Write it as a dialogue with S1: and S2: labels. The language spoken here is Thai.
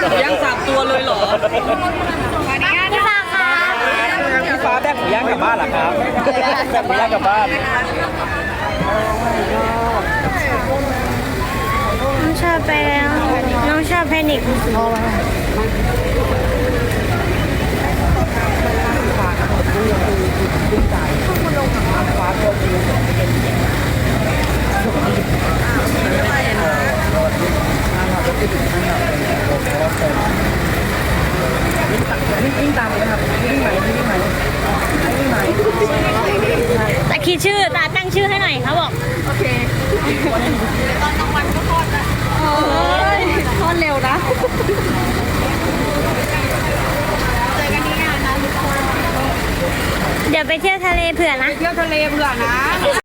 S1: ย่าง3 ตัวเลยเหรอ
S2: พี่ฟ้าคะ
S3: พี่ฟ้าแบกหมูย่างกลับบ้านเหรอครับแบกหมูย่างกลับบ้าน
S2: น้องชอบไปแล้วน้องชอบแพนิค
S1: วิ่งตามเลยครับวิ่งไหม
S2: แต่คิดชื่อตาตั้งชื่อให้หน่อยเขาบอก
S1: โอเคตอนกลางวันก็ทอดนะทอดเร็วนะเจอกันนี้งานนะทุกคน
S2: เดี๋ยวไปเที่ยวทะเลเผื่อนะ
S1: เที่ยวทะเลเบื่อนะ